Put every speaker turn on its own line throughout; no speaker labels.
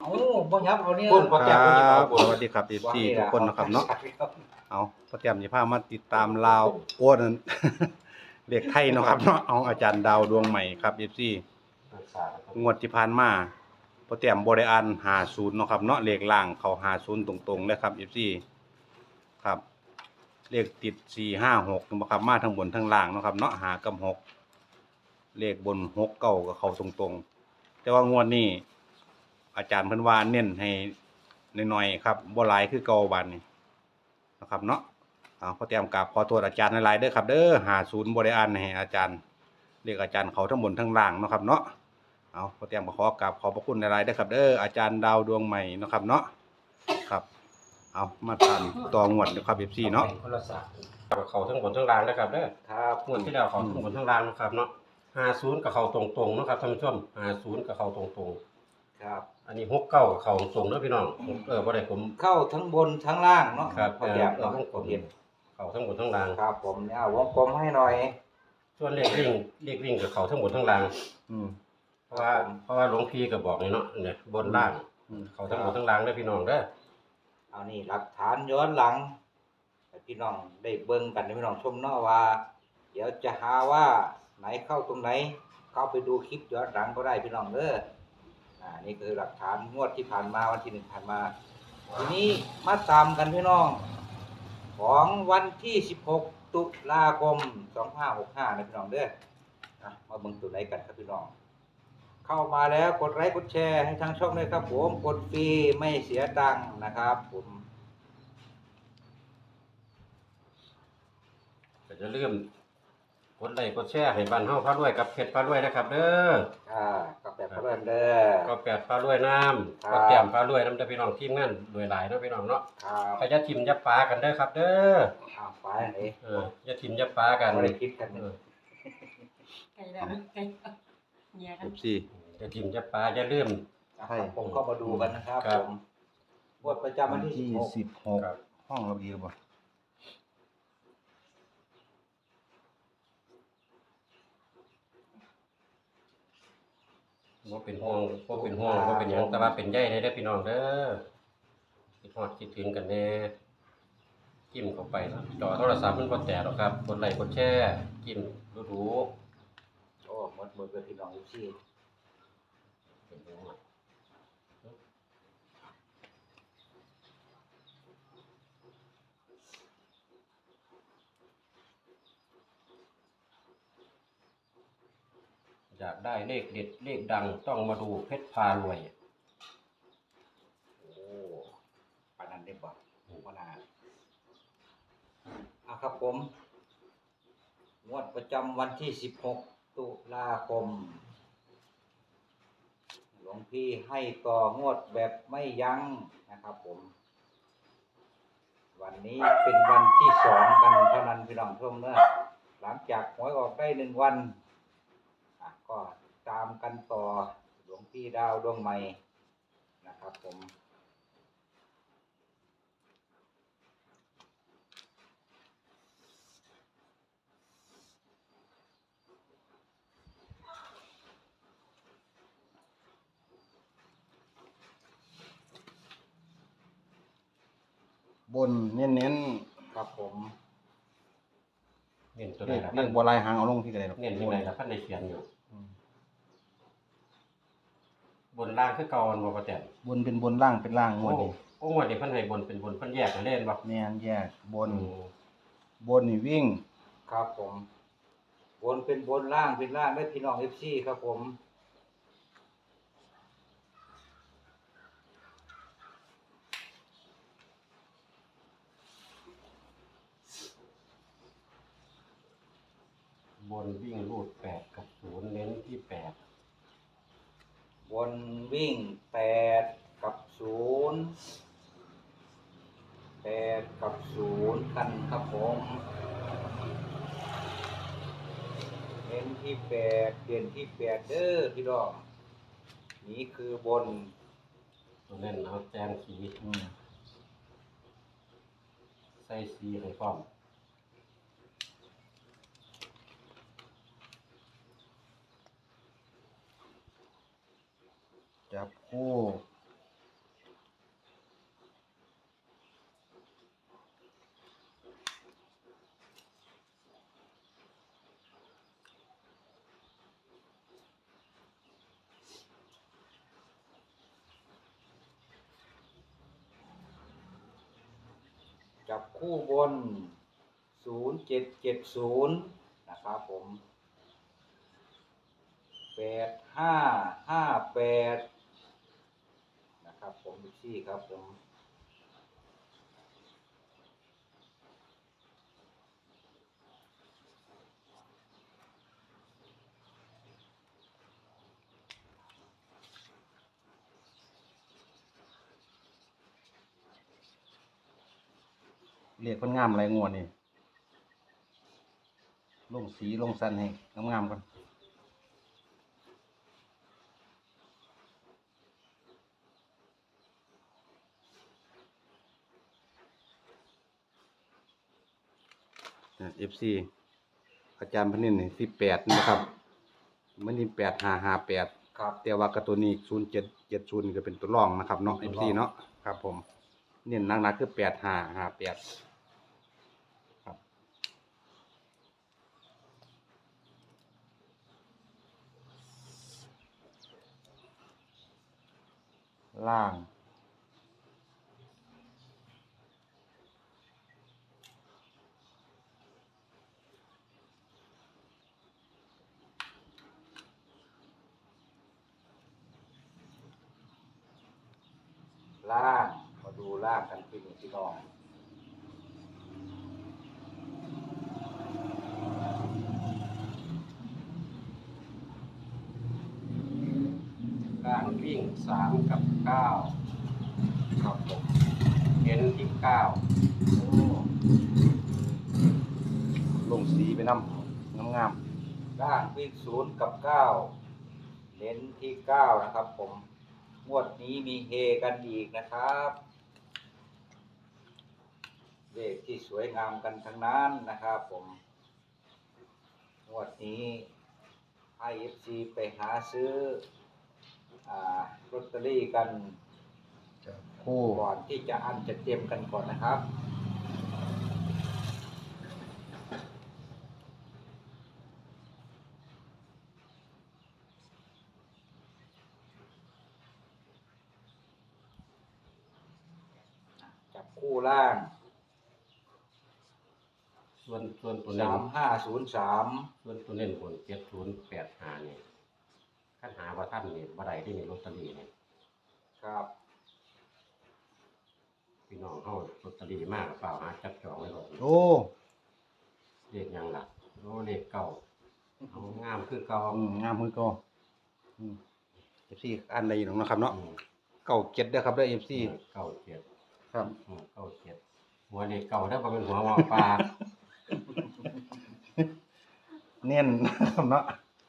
เอาบ่ยับเอาเนี่ย
คนพอ
ค
แต้ม
รั
คนที่เอา
บ
คน
สวัสดีครับ FC ทุกคนนะครับเนาะ
ครับ
เอาพอแต้มสิพามาติดตามลาวโอ้นั่น เลขไทยเนาะครับเนาะเอาอาจารย์ดาวดวงใหม่ครับ FC งวดที่ผ่านมาพอแต้มบ่ได้อ่าน50เนาะครับเนาะเลขล่างเข้า50ตรงๆเลยครับ FC ครับเลขติด4 5 6นาะครับมาทั้งบนทั้งล่างเนาะครับเนาะ5กับ6เลขบน6 9ก็เข้าตรงๆแต่ว่างวดนี้อาจารย์เพิ่นว่าเน้นให้น้อยๆครับบ่หลายคือเก่าบัดนี้นะครับเนาะขอแต้มกราบขอโทษอาจารย์หลายๆเด้อครับเด้อ50บ่ได้อ่านให้อาจารย์เลขอาจารย์เขาทั้งบนทั้งล่างเนาะครับเนาะขอแต้มขอกราบขอบพระคุณหลายๆเด้อครับเด้ออาจารย์ดาวดวงใหม่เนาะครับเนาะครับมาตามต่องวดนะครับ FC เนาะ
คนละศาสตร์เขาทั้งบนทั้งล่างนะครับเด้อ
ครับ
งวดที่แล้วเขาทั้งบนทั้งล่างนะครับเนาะ50กับเขาตรงๆนะครับท่านผู้ชม50กับเขาตรงๆ
ครับ
อันนี้69กับเขาตรงๆเด้อพี่น้องบ่ได้ผม
เข้าทั้งบนทั้งล่างเนาะ
ครับ
พอแต้มเนาะ
วงกลมเขาทั้งบนทั้งล่าง
ครับผมเนี่ยวงกลมให้หน่อย
ส่วนเลขวิ่งกับเขาทั้งบนทั้งล่าง
อืม
เพราะว่าหลวงพี่ก็บอกเลยเนาะเนี่ยบนล่าง เขาทั้งบนทั้งล่างเด้อพี่น้องเด้อ
เอานี่หลักฐานย้อนหลังให้พี่น้องได้เบิ่งกันให้พี่น้องชมเนาะว่า เดี๋ยวจะหาว่าไหนเข้าตรงไหน เข้าไปดูคลิปย้อนหลังก็ได้พี่น้องเด้อนี่คือหลักฐานงวดที่ผ่านมาวันที่1ผ่านมาทีนี้มาตามกันพี่น้อง ของวันที่16ตุลาคม2565นะพี่น้องเด้อมาเบิ่งตัวไหนกันครับพี่น้อง เข้ามาแล้วกดไลค์กดแชร์ให้ทางช่องด้วยครับผมกดฟรีไม่เสียตังค์นะครับผม
ก็จะลืมกดไลค์กดแชร์ให้บ้านเฮาพารวยกับเพชรพารวยนะครับเด้อ
กับแบบเริ่มเด้อ
ก็แปดพารวยน้ำก็แต้มพารวยน้ำเด้อพี่น้องทีมงานรวยหลายเนาะพี่น้องเนาะ
ครับ
ก็อย่าทิ่มอย่าปากันเด้อครับ เด้อ
ไปไหน
อย่าทิ่มอย่าปากัน
ไม่ได้คิดกัน
ไก่แล้วไก่เนี่ยกัน
FC
อย่าทิ่มอย่าปาอย่าลืม
ผมก็มาดูกันนะครับ
ครับ
ผมงวดประจำวันที่16
ครับ
16ห้องเราดีหรือเปล่า
บ่เป็นห่วงบ่เป็นหยังแต่ว่าเป็นใยเด้อพี่น้องเด้อคิดฮอดคิดถึงกันแน่จิ้มเข้าไปจอโทรศัพท์มันบ่แตกหรอกครับกดไลค์กดแชร์จิ้มดู
โอ้หมดเลยพี่น้องที่
ๆเป็นห่วงอยากได้เลขเด็ดเลขดังต้องมาดูเพชรพารวย
โอ้ปานนั้นได้บ่ว่านาครับผมงวดประจำวันที่16ตุลาคมหลวงพี่ให้ต่องวดแบบไม่ยั้งนะครับผมวันนี้เป็นวันที่2กันเท่านั้นพี่น้องชมเนอะหลังจากหวยออกได้1วันก็ตามกันต่อหลวงพี่ดาวดวงใหม่นะครับผม
บนเน้น
ครับผม
เน้น
ๆ
ตัว
เล
ไหน
ข
ล่ะ
เลขบัวลายหางเอาลงที่ไหนหรอก
เน้นที่ไหนล่ะท่านได้เขียนอยู่บนล่างคือเก่าอันบ่ประแตน
บนเป็นบนล่างเป็นล่างงวดนี้
โอ้งวดนี้เพิ่นให้บนเป็นบนเพิ่นแยกกันเล่นบ่
แม่นแยกบนนี่วิ่ง
ครับผมบนเป็นบนล่างเป็นล่างได้พี่น้องFCครับผม
บนวิ่งรูด8กับ0เน้นที่8
บนวิ่ง8กับ0 8กับ0กันครับผมเน้นที่8เปลี่ยนที่8เด้อพี่น้องนี่คือบน
ตัวเน้นเอาแจ้งสี
อืม
ใส่สีให้พร้อม
จับคู่
จับคู่บน0770นะครับผม8558นะครับผมพี่ครับผม
เลขมันงามอะไรงวดนี่ลงสีลงสันให้งามๆกันFC อาจารย์พนินนี่18นะครับมันนี่8558
ครับ
แต่ว่ากระตัวนี้0770นี่ก็เป็นตัวรองนะครับเนาะ FC เนาะครับผมเน้นหนักๆคือ8558ครับล่าง
ล่างมาดูล่างกันพี่น้อง
ล่างวิ่ง3กับ9
ครับผม
เน้นที่9
โอ้
ลงสีไปนำงาม
ล่างวิ่ง0กับ9เน้นที่9นะครับผมงวดนี้มีเฮกันอีกนะครับเลขที่สวยงามกันทั้งนั้นนะครับผมงวดนี้ให้ FC ไปหาซื้อลอตเตอรี่กัน
ๆคู่
ก่อนที่จะอันจะเตรียมกันก่อนนะครับจับคู่ล่าง
ส่วนตัวเน้น
3503
ส่วนตัวเน้นบน7085นี่คันหาว่าท่านนี่บ่ได้ที่นี่ลอตเตอรี่นี่
ครับ
พี่น้องเฮาลอตเตอรี่มากเปล่าหาจับจองไว้ก่อน
โอ้
เลขหยังล่ะโอ้เลขเก่าเอางามคือเก่าง
ามมือก็FC อันใดอยู่นะครับเนาะ
อืม
เก่าเจ็ดเด้อครับเด้อ FC
97
ครับ
97หัวเลขเก่าถ้าบ่เป็นหัวหมอปลา
เน้นนะครับเนาะ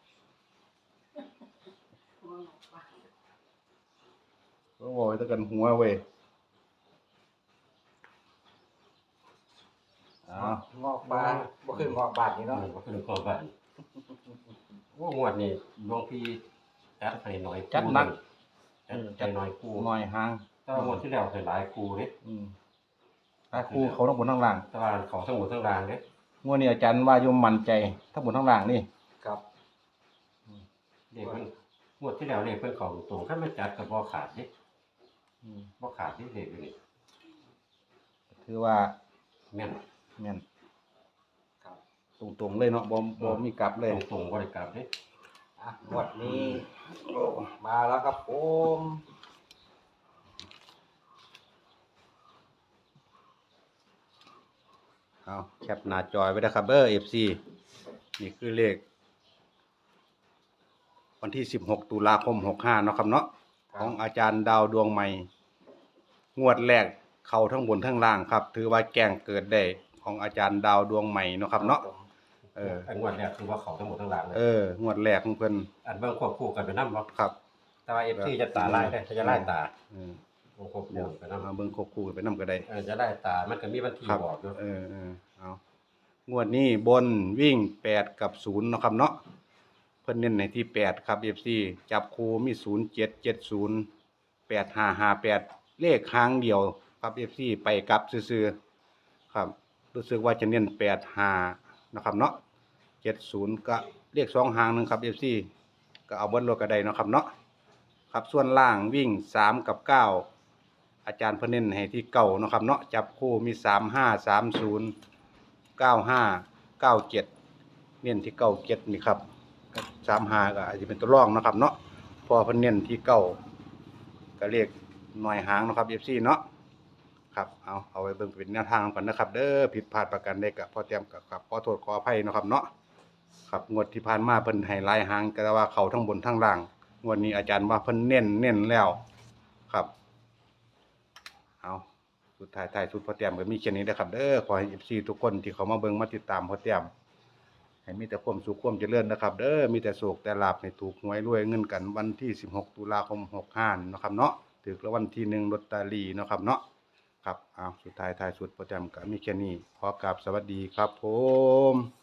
โอ้โหตะกันหัวเว้ยอ้าว
งอกบานบ่คืองอกบานนี่เนาะ
บ่เป็นหัวบ้านโอ้งวดนี้หลวงพี่จัดให้หน่อย
จัดหนัก
จัดให้หน่อยกู
หน่อยห่าง
แต่ว่างวดที่แล้วให้หลายกูเด้
ถ้าคู่เขาทั้งบนทั้งล่าง
แต่ว่าเขาทั้งหมดทั้งรางเด้
งวดนี้อาจารย์ว่าโยมมั่นใจทั้งบนทั้งล่างนี่
ครับ
เลขมันงวดที่แล้วเลขเพิ่นเข้าตรงคันมันจัดก็บ่ขาดเด้บ่ขาดที่เลขอยู่นี่
ถือว่า
แม่น
แม่น
ครับ
ตรงๆเลยเนาะบ่มีกลับเลย
ตรงๆบ่ได้กลับเด้
งวดนี้มาแล้วครับผม
เอาแคปหน้าจอยไว้นะครับเด้อ FC นี่คือเลขวันที่16ตุลาคม65เนาะครับเนาะของอาจารย์ดาวดวงใหม่งวดแรกเข้าทั้งบนทั้งล่างครับ ถือว่าแกล้งเกิดได้ของอาจารย์ดาวดวงใหม่เนาะครับเนาะ
อันงวดแรกคือว่าเขาทั้งหมดทั้งรางเลย
งวดแรกของเพิ่น
อันเบิ่งควบคู่กันไปนำบ่
ครับ
แต่ว่า FC จะตาลายได้จะไล่ตา
เออ
ควบคู่ไปนำ
เอาเบิ่งควบคู่กันไปนำก็ได้
จะไล่ตามันก็มีวันที่
ครับ
บอกอยู่
เอางวดนี้บนวิ่ง8กับ0เนาะครับเนาะเพิ่นเน้นในที่8ครับ FC จับคู่มี0770 8558เลขหางเดียวครับ FC ไปกลับซื่อๆครับรู้สึกว่าจะเน้น85นะครับเนาะ70ก็เลข2หางหนึงครับ FC ก็เอาเบิดรถก็ได้เนาะครับเนาะครับส่วนล่างวิ่ง3กับ9อาอาจารย์เพิ่นเน้นให้ที่เก่าเนาะครับเนาะจับคู่มี35 30 95 97เน้นที่97นี่ครับกับ35ก็อาจจะเป็นตัวรองเนาะครับเนาะเพอเพิ่นเน้นที่เก่าก็เรียกหน่วยหางเนาะครับ FC เนาะครับเอาไว้เบิ่งเป็นแนวทางกันนะครับเด้อผิดพลาดประการใดก็พอเตรียมกับขอโทษขออภัยเนาะครับเนาะครับงวดที่ผ่านมาเพิ่นให้หลายหางก็ว่าเข้าทั้งบนทั้งล่างงวดนี้อาจารย์ว่าเพิ่นเน้นแล้วครับเอาสุดท้ายสุดพอเตรียมก็มีแค่นี้นะครับเด้อขอให้ FC ทุกคนที่เขามาเบิ่งมาติดตามพอเตรียมให้มีแต่ความสุขความเจริญนะครับเด้อมีแต่โชคแต่ลาภให้ถูกหวยรวยเงินกันวันที่16ตุลาคม65เนาะครับเนาะถูกรางวัลที่1ลอตเตอรี่เนาะครับเนาะครับสุดท้ายสุดพอเตรียมก็มีแค่นี้ขอกราบสวัสดีครับผม